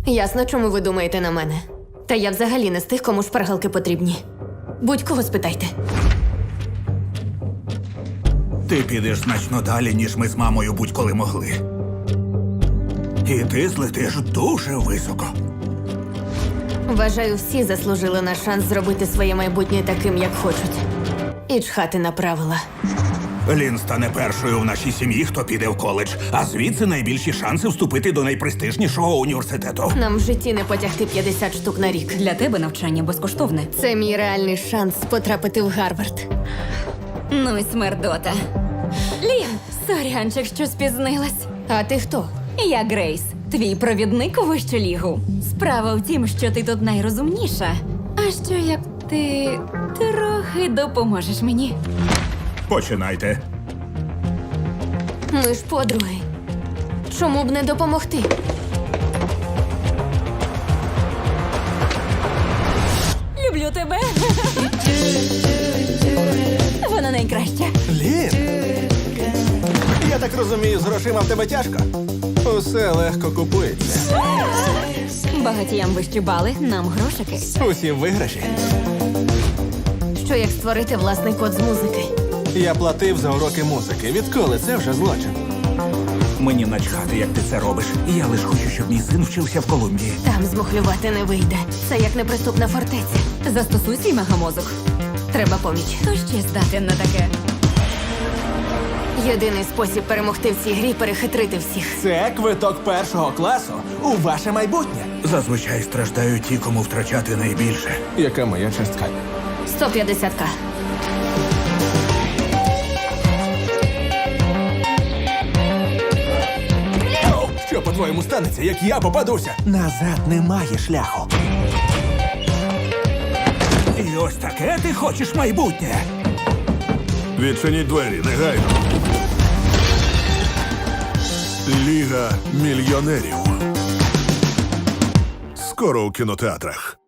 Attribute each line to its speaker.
Speaker 1: Ясно, чому ви думаєте на мене. Та я взагалі не з тих, кому шпаргалки потрібні. Будь-кого спитайте.
Speaker 2: Ти підеш значно далі, ніж ми з мамою будь-коли могли. І ти злетиш дуже високо.
Speaker 1: Вважаю, всі заслужили на шанс зробити своє майбутнє таким, як хочуть. І чхати на правила.
Speaker 2: Лін стане першою в нашій сім'ї, хто піде в коледж, а звідси найбільші шанси вступити до найпрестижнішого університету.
Speaker 1: Нам в житті не потягти 50 штук на рік.
Speaker 3: Для тебе навчання безкоштовне.
Speaker 1: Це мій реальний шанс потрапити в Гарвард.
Speaker 3: Ну й смердота. Лін, сорянчик, що спізнилась.
Speaker 1: А ти хто?
Speaker 3: Я Грейс, твій провідник у вищу лігу. Справа в тім, що ти тут найрозумніша. А що як ти трохи допоможеш мені?
Speaker 2: Починайте.
Speaker 1: Ми ж подруги. Чому б не допомогти?
Speaker 3: Люблю тебе. Вона найкраща.
Speaker 4: Лін! Я так розумію, з грошима в тебе тяжко? Усе легко купується.
Speaker 3: Багатіям вищі бали, нам грошики.
Speaker 4: Усі виграші.
Speaker 1: Що як створити власний код з музики?
Speaker 4: Я платив за уроки музики. Відколи це вже злочин?
Speaker 2: Мені начхати, як ти це робиш. Я лиш хочу, щоб мій син вчився в Колумбії.
Speaker 1: Там змухлювати не вийде. Це як неприступна фортеця.
Speaker 3: Застосуй свій мегамозок.
Speaker 1: Треба поміч.
Speaker 3: Хто ще здатен на таке?
Speaker 1: Єдиний спосіб перемогти в цій грі – перехитрити всіх.
Speaker 4: Це квиток першого класу у ваше майбутнє.
Speaker 2: Зазвичай страждають ті, кому втрачати найбільше.
Speaker 4: Яка моя частка?
Speaker 1: 150к.
Speaker 4: Що, по-твоєму, станеться, як я попадуся? Назад немає шляху.
Speaker 2: І ось таке ти хочеш майбутнє.
Speaker 5: Відчиніть двері, негайно. Ліга мільйонерів. Скоро у кінотеатрах.